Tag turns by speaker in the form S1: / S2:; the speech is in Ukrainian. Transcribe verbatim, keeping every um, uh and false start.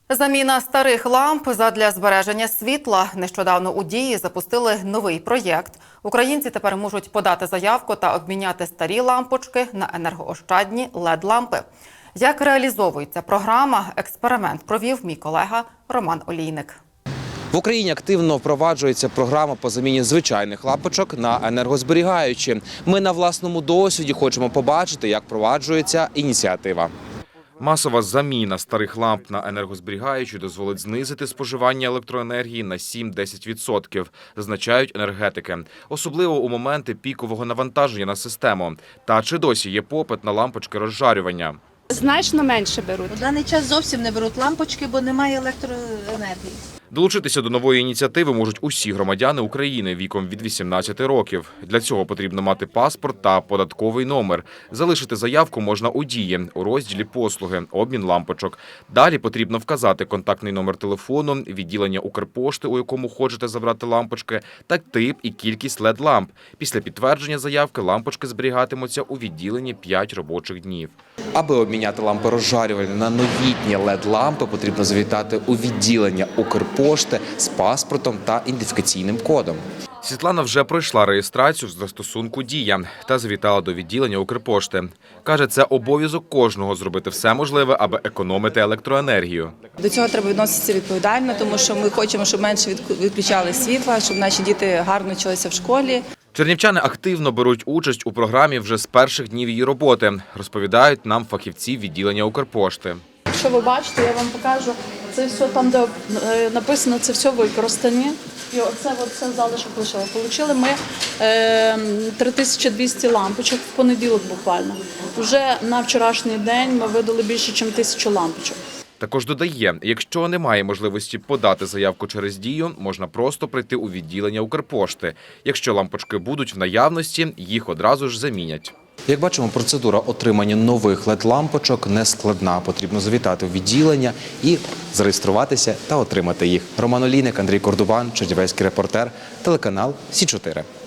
S1: Заміна старих ламп задля збереження світла. Нещодавно у Дії запустили новий проєкт. Українці тепер можуть подати заявку та обміняти старі лампочки на енергоощадні лед-лампи. Як реалізовується програма, експеримент провів мій колега Роман Олійник.
S2: В Україні активно впроваджується програма по заміні звичайних лампочок на енергозберігаючі. Ми на власному досвіді хочемо побачити, як впроваджується ініціатива. Масова заміна старих ламп на енергозберігаючі дозволить знизити споживання електроенергії на сім-десять відсотків, зазначають енергетики. Особливо у моменти пікового навантаження на систему. Та чи досі є попит на лампочки розжарювання?
S3: Значно менше беруть.
S4: У даний час зовсім не беруть лампочки, бо немає електроенергії.
S2: Долучитися до нової ініціативи можуть усі громадяни України віком від вісімнадцяти років. Для цього потрібно мати паспорт та податковий номер. Залишити заявку можна у Дії, у розділі «Послуги», «Обмін лампочок». Далі потрібно вказати контактний номер телефону, відділення Укрпошти, у якому хочете забрати лампочки, та тип і кількість лед-ламп. Після підтвердження заявки лампочки зберігатимуться у відділенні п'ять робочих днів. Аби обміняти лампи розжарювальні на новітні лед-лампи, потрібно завітати у відділення Укрпошти з паспортом та ідентифікаційним кодом. Світлана вже пройшла реєстрацію в застосунку «Дія» та завітала до відділення Укрпошти. Каже, це обов'язок кожного зробити все можливе, аби економити електроенергію.
S5: До цього треба відноситися відповідально, тому що ми хочемо, щоб менше відключали світла, щоб наші діти гарно вчилися в школі.
S2: Чернівчани активно беруть участь у програмі вже з перших днів її роботи, розповідають нам фахівці відділення Укрпошти.
S3: Якщо ви бачите, я вам покажу, це все там, де написано, це все використані. І оце, оце залишок лишило. Получили ми е, три тисячі двісті лампочок в понеділок буквально. Вже на вчорашній день ми видали більше, ніж тисячу лампочок.
S2: Також додає, якщо немає можливості подати заявку через Дію, можна просто прийти у відділення Укрпошти. Якщо лампочки будуть в наявності, їх одразу ж замінять. Як бачимо, процедура отримання нових лед-лампочок не складна. Потрібно завітати у відділення і зареєструватися та отримати їх. Роман Олійник, Андрій Кордубан, чернівецький репортер, телеканал Сі чотири.